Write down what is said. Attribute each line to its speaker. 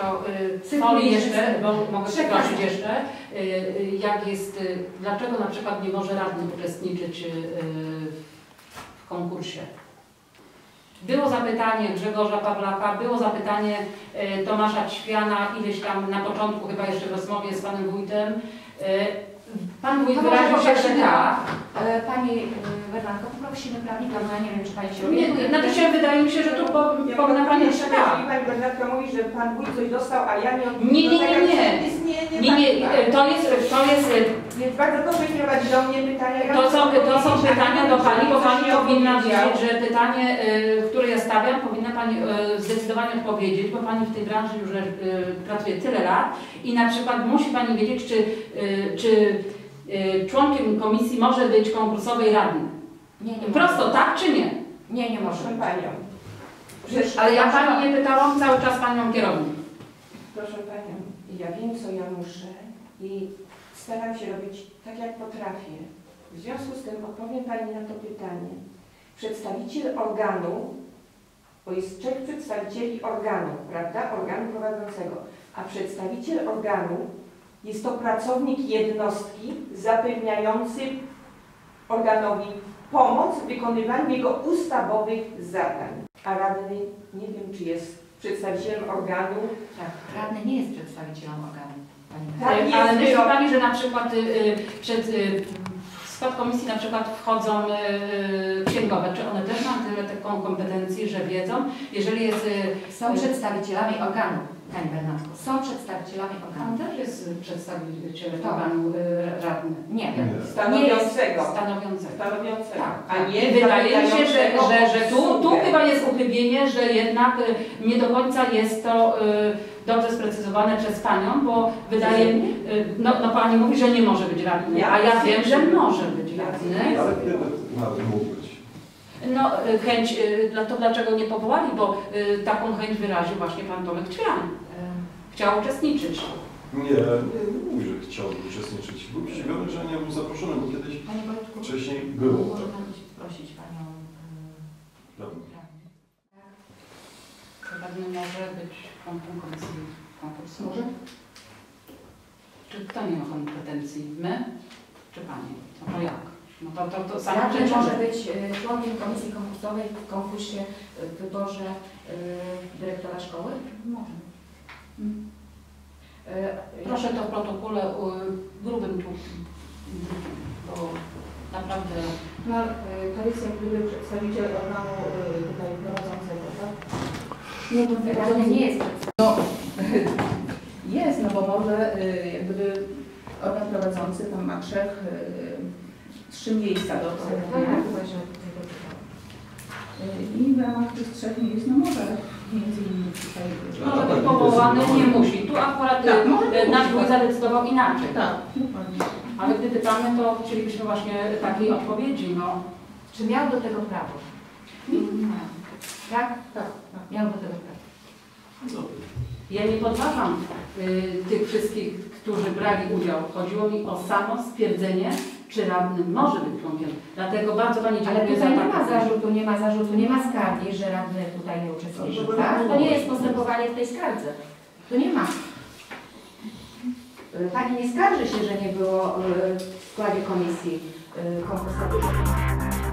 Speaker 1: to folii jeszcze, bo mogę przeprosić jeszcze, jak jest, dlaczego na przykład nie może radny uczestniczyć w konkursie. Było zapytanie Grzegorza Pawlaka, było zapytanie Tomasza Ćwiana, ileś tam na początku, chyba jeszcze w rozmowie z panem wójtem. Pan wójt wyraził się, że tak.
Speaker 2: Pani Bernardko, poprosimy prawnika, bo ja nie wiem, czy pani się orientuje.
Speaker 1: Znaczy się wydaje mi się, że tu powinna pani jeszcze tak.
Speaker 3: Pani Bernardka mówi, że pan wójt coś dostał, a ja nie
Speaker 1: odniosę. Nie, to jest.
Speaker 3: Więc bardzo proszę kierować do mnie pytania.
Speaker 1: To są pytania do pani, bo pani powinna wiedzieć, że pytanie, które ja stawiam, powinna pani zdecydowanie odpowiedzieć, bo pani w tej branży już pracuje tyle lat i na przykład musi pani wiedzieć, czy członkiem komisji może być konkursowej radny.
Speaker 2: Nie
Speaker 1: prosto,
Speaker 2: może.
Speaker 1: tak czy nie?
Speaker 2: Nie może.
Speaker 3: Proszę panią.
Speaker 1: Ale ja pani nie pytałam, cały czas panią kierownik.
Speaker 3: Proszę panią, ja wiem, co ja muszę i staram się robić tak, jak potrafię. W związku z tym odpowiem pani na to pytanie. Przedstawiciel organu, bo jest 3 przedstawicieli organu, prawda? Organu prowadzącego, a przedstawiciel organu jest to pracownik jednostki zapewniający organowi pomoc w wykonywaniu jego ustawowych zadań. A radny, nie wiem, czy jest przedstawicielem organu.
Speaker 2: Tak, radny nie jest przedstawicielem organu.
Speaker 1: Tak, ale myśli pani, że na przykład w skład komisji na przykład wchodzą księgowe, czy one też mają tyle taką kompetencji, że wiedzą, jeżeli jest...
Speaker 2: Są przedstawicielami organu, pani Bernardko. Są przedstawicielami organu.
Speaker 1: Tam też jest przedstawiciel organu radny.
Speaker 2: Nie.
Speaker 3: Stanowiącego.
Speaker 1: Stanowiącego.
Speaker 3: Tak.
Speaker 1: A nie, wydaje mi się, że tu chyba jest uchybienie, że jednak nie do końca jest to dobrze sprecyzowane przez panią, bo wydaje mi no pani mówi, że nie może być radny, a ja wiem, że może być radny.
Speaker 4: Ale kiedy nawet mógł być?
Speaker 1: No chęć, to dlaczego nie powołali, bo taką chęć wyraził właśnie pan Tomek Ćwian. Chciał uczestniczyć.
Speaker 4: Nie mówi, że chciał uczestniczyć. Był zdziwiony, że nie był zaproszony, bo kiedyś wcześniej było.
Speaker 2: Może pan prosić panią
Speaker 4: radny.
Speaker 1: Radny może być członkiem komisji konkursu.
Speaker 2: Może?
Speaker 1: Czy kto nie ma kompetencji? My? Czy pani? No to jak? No to samo
Speaker 2: Radny
Speaker 1: rzeczy.
Speaker 2: może być członkiem komisji konkursowej w konkursie, w wyborze dyrektora szkoły? Może.
Speaker 1: Proszę to w protokole grubym tu, bo naprawdę...
Speaker 5: No, to jest jak gdyby przedstawiciel organu tutaj prowadzącego, tak?
Speaker 2: Radny nie jest
Speaker 5: No, jest, no bo może jak gdyby organ prowadzący tam ma 3 miejsca do obsadzenia. I w ramach tych 3 miejsc, no może między innymi tutaj...
Speaker 1: Może być powołany, nie musi. Tu akurat nasz wójt zadecydował inaczej.
Speaker 5: Tak, dokładnie.
Speaker 1: Ale gdy pytamy, to chcielibyśmy właśnie takiej odpowiedzi, no.
Speaker 2: Czy miał do tego prawo? Tak?
Speaker 5: Tak.
Speaker 2: Miał do tego prawo.
Speaker 1: Ja nie podważam tych wszystkich, którzy brali udział. Chodziło mi o samo stwierdzenie, czy radny może być członkiem. Dlatego bardzo pani
Speaker 2: Ale
Speaker 1: dziękuję
Speaker 2: tutaj
Speaker 1: za
Speaker 2: nie ma zarzutu, nie ma skargi, że radny tutaj nie uczestniczył, tak? To nie jest postępowanie w tej skardze. Tu nie ma. Pani nie skarży się, że nie było w składzie komisji konkursowej.